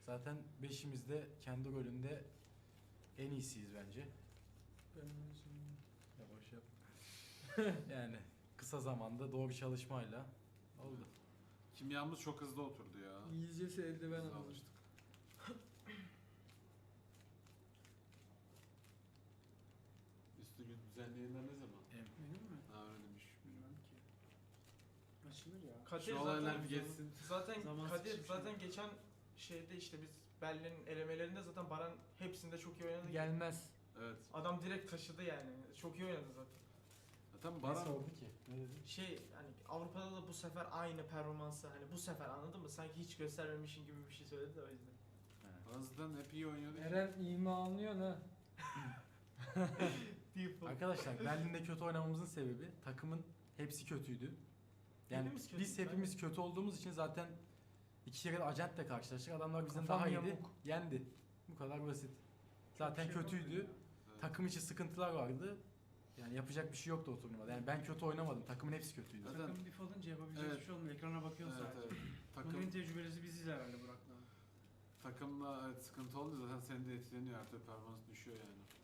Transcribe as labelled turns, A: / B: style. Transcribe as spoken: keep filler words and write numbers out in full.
A: Zaten beşimiz de kendi rolünde en iyisiyiz bence.
B: Ben
A: Yavaş yap. Yani kısa zamanda doğru çalışmayla oldu.
C: Kimyamız çok hızlı oturdu ya.
B: İngilizcesi eldiven
C: Hızlı
B: aldım.
C: alıştık. Üstü düzenleyenler ne zaman?
A: Evet.
B: Benim mi?
C: Ha öyle demiş.
B: Bilmem ki. Açılır ya.
D: Kadir
C: Şu olaylar
D: zaten,
C: bir geçsin.
D: zaten
B: Zamansız
D: Kadir
B: hiçbir şey
D: zaten
B: yok.
D: geçen şeyde işte biz Berlin'in elemelerinde zaten Baran hepsinde çok iyi oynadı.
B: Gelmez.
C: Evet.
D: Adam direkt taşıdı yani. Çok iyi oynadı zaten.
C: Zaten
A: Ne
C: Baran
A: sordu ki? Ne dedi?
D: Şey hani Avrupa'da da bu sefer aynı performansı hani bu sefer anladın mı? Sanki hiç göstermemişin gibi bir şey söyledi de o yüzden.
C: Baran zaten hep iyi oynuyordu. ki.
B: Eren ima anlıyor ha.
A: Arkadaşlar Berlin'de kötü oynamamızın sebebi takımın hepsi kötüydü. Yani
D: Hepimiz kötüydük,
A: biz hepimiz kötü olduğumuz için zaten iki kere de acentle karşılaştık. Adamlar bizden
B: Kafam
A: daha iyiydi.
B: yamuk.
A: Yendi. Bu kadar basit. Zaten
B: Çok şey
A: kötüydü.
B: yapamadım
C: Evet.
A: Takım içi sıkıntılar vardı. Yani yapacak bir şey yoktu o turnuvada. Yani ben kötü oynamadım. Takımın hepsi kötüydü.
C: Zaten-
E: Takım bir falınca yapabilecek
C: Evet.
E: bir şey olmuyor. Ekrana bakıyorsun
C: Evet,
E: sadece.
C: evet.
E: Takım...
C: Takım,
E: en tecrübelisi biziz herhalde Burak'la.
C: takımla evet, sıkıntı oldu zaten senin de etkileniyor artık performans düşüyor yani.